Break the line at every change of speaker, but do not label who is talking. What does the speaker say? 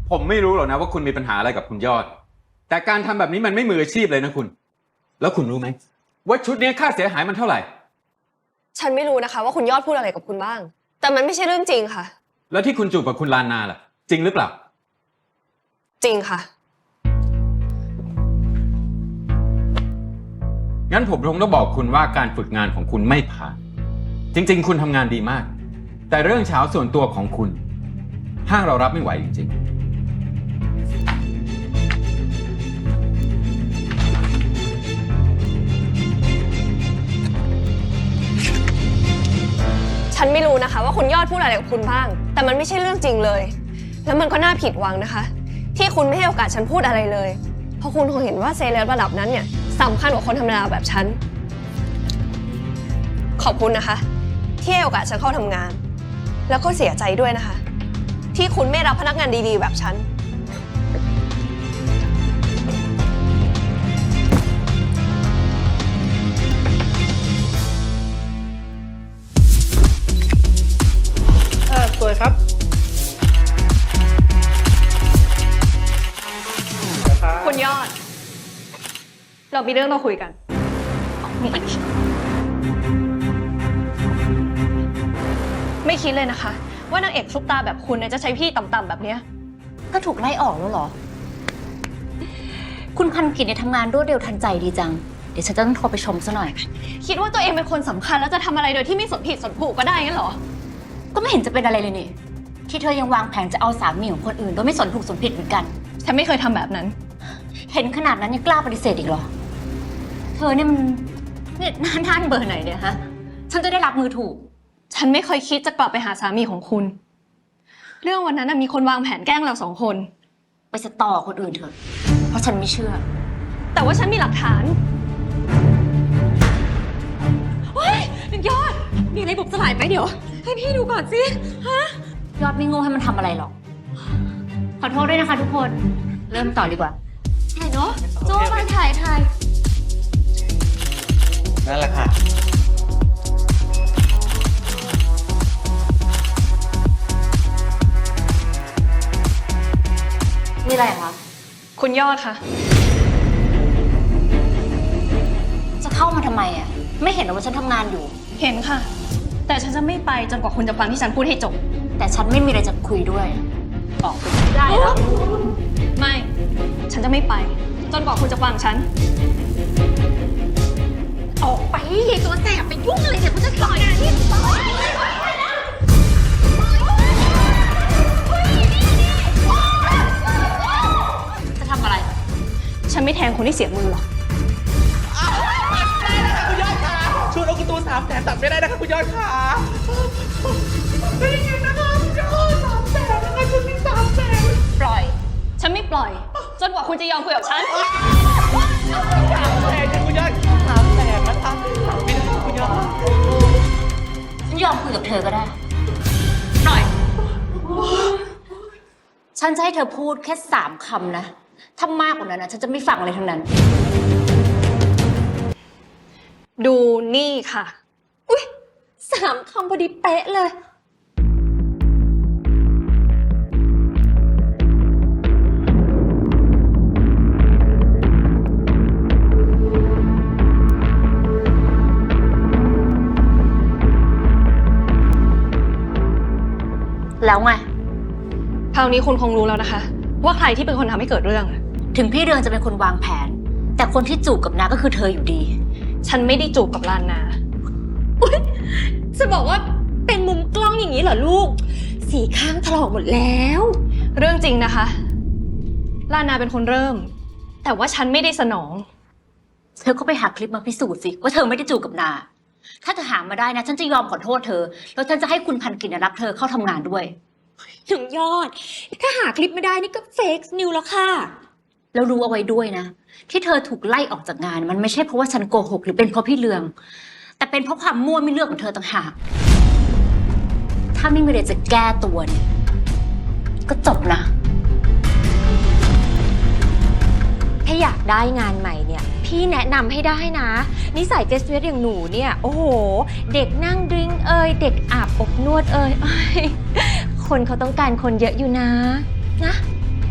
ผมไม่รู้หรอกนะว่าคุณมีปัญหาอะไรกับคุณยอด แต่การทำแบบนี้มันไม่มืออาชีพเลยนะคุณ แล้วคุณรู้ไหมว่าชุดนี้ค่าเสียหายมันเท่าไหร่
ฉันไม่รู้นะคะว่าคุณยอดพูดอะไรกับคุณบ้าง แต่มันไม่ใช่เรื่องจริงค่ะ
แล้วที่คุณจูบกับคุณลานนาล่ะ จริงหรือเปล่า
จริงค่ะ
งั้นผมคงต้องบอกคุณว่าการฝึกงานของคุณไม่ผ่าน จริงๆ คุณทำงานดีมาก แต่เรื่องเช้าส่วนตัวของคุณห้างเรารับไม่ไหวจริงๆ
ฉันไม่รู้นะคะว่าคุณยอดพูดอะไรกับคุณบ้าง แต่มันไม่ใช่เรื่องจริงเลย แล้วมันก็น่าผิดหวังนะคะ ที่คุณไม่ให้โอกาสฉันพูดอะไรเลย เพราะคุณคงเห็นว่าเซเลบระดับนั้นเนี่ยสำคัญกว่าคนธรรมดาแบบฉัน ขอบคุณนะคะ ที่ให้โอกาสฉันเข้าทำงาน แล้วก็เสียใจด้วยนะคะ ที่คุณไม่รับพนักงานดีๆแบบฉัน
สวยครับ
คุณยอด เรามีเรื่องต้องคุยกันไม่คิดเลยนะคะ ว่านางเอกซุปตาแบบคุณเนี่ยจะใช้พี่ต่ำๆแบบเนี้ย
ก็ถูกไล่ออกแล้วเหรอ คุณพันกิจเนี่ยทำงานรวดเร็วทันใจดีจัง เดี๋ยวฉันจะต้องโทรไปชมซะหน่อย
คิดว่าตัวเองเป็นคนสำคัญแล้วจะทำอะไรโดยที่ไม่สนผิดสนถูกก็ได้งั้นเหรอ
ก็ไม่เห็นจะเป็นอะไรเลยนี่ ที่เธอยังวางแผนจะเอาสามีของคนอื่นโดยไม่สนถูกสนผิดเหมือนกัน
ฉันไม่เคยทำแบบนั้น
เห็นขนาดนั้นยังกล้าปฏิเสธอีกเหรอ เธอเนี่ยมันเนี่ยหน้าด้านเบอร์ไหนเนี่ยฮะ ฉันจะได้รับมือถูก
ฉันไม่เคยคิดจะกลับไปหาสามีของคุณ เรื่องวันนั้นมีคนวางแผนแกล้งเราสองคน
ไปสตอคนอื่นเถอะ เพราะฉันไม่เชื่อ
แต่ว่าฉันมีหลักฐานเฮ้ยยอด มีอะไรบุบสลายไปเดี๋ยว ให้พี่ดูก่อนสิฮะ
ยอดไม่โง่ให้มันทำอะไรหรอก ขอโทษด้วยนะคะทุกคน เริ่มต่อดีกว่า
ถ่ายเนาะโจ้มาถ่าย
นั่นแหละค่ะ
มีอะไรคะ
คุณยอดค่ะ
จะเข้ามาทำไมอ่ะ ไม่เห็นเหรอว่าฉันทำงานอยู่
เห็นค่ะ แต่ฉันจะไม่ไปจนกว่าคุณจะฟังที่ฉันพูดให้จบ
แต่ฉันไม่มีอะไรจะคุยด้วย ออกไปได้แล้ว
ไม่ ฉันจะไม่ไป จนกว่าคุณจะฟังฉัน
ออกไปยายตัวแสบไปยุ่งอะไรเนี่ยมันจะต่อยที่ต่อยจะทำอะไร
ฉันไม่แทงคนที่เสียมือหรอก
คุณยอดค่ะชวนเอาการ์ตูน300,000ตัดไม่ได้นะคะคุณยอดค่ะได้ยินนะคะคุณยอด300,000นะคะชุดนี้300,000
ปล่อย ฉันไม่ปล่อย จนกว่าคุณจะยอมคุยกับฉัน
300,000คุณยอด300,000นะคะไม่ได้คุณยอด
ฉันยอมคุยกับเธอก็ได้ ปล่อย ฉันจะให้เธอพูดแค่3 คำนะ ถ้ามากกว่านั้นนะฉันจะไม่ฟังอะไรทั้งนั้น
ดูนี่ค่ะ
อุ๊ย3 คำพอดีเป๊ะเลย แล้วไง
คราวนี้คุณคงรู้แล้วนะคะ ว่าใครที่เป็นคนทำให้เกิดเรื่อง
ถึงพี่เรืองจะเป็นคนวางแผน แต่คนที่จูบกับนาก็คือเธออยู่ดี
ฉันไม่ได้จูบกับลานนา
จะบอกว่าเป็นมุมกล้องอย่างนี้เหรอลูก สีข้างถลอกหมดแล้ว
เรื่องจริงนะคะ ลานนาเป็นคนเริ่ม แต่ว่าฉันไม่ได้สนอง
เธอก็ไปหาคลิปมาพิสูจน์สิว่าเธอไม่ได้จูบกับนา ถ้าเธอหามาได้นะฉันจะยอมขอโทษเธอ แล้วฉันจะให้คุณพันกิจรับเธอเข้าทำงานด้วย
ถึงยอด ถ้าหาคลิปไม่ได้นี่ก็เฟกนิวแล้วค่ะ
แล้วรู้เอาไว้ด้วยนะ ที่เธอถูกไล่ออกจากงานมันไม่ใช่เพราะว่าฉันโกหกหรือเป็นเพราะพี่เลือง แต่เป็นเพราะความมั่วไม่เลือกของเธอต่างหาก ถ้าไม่มีอะไรจะแก้ตัวเนี่ยก็จบนะ
ถ้าอยากได้งานใหม่เนี่ย พี่แนะนำให้ได้นะ นิสัยเจสเวสอย่างหนูเนี่ย โอ้โห เด็กนั่งดริงเด็กอาบอบนวดอ้ยคนเขาต้องการคนเยอะอยู่นะ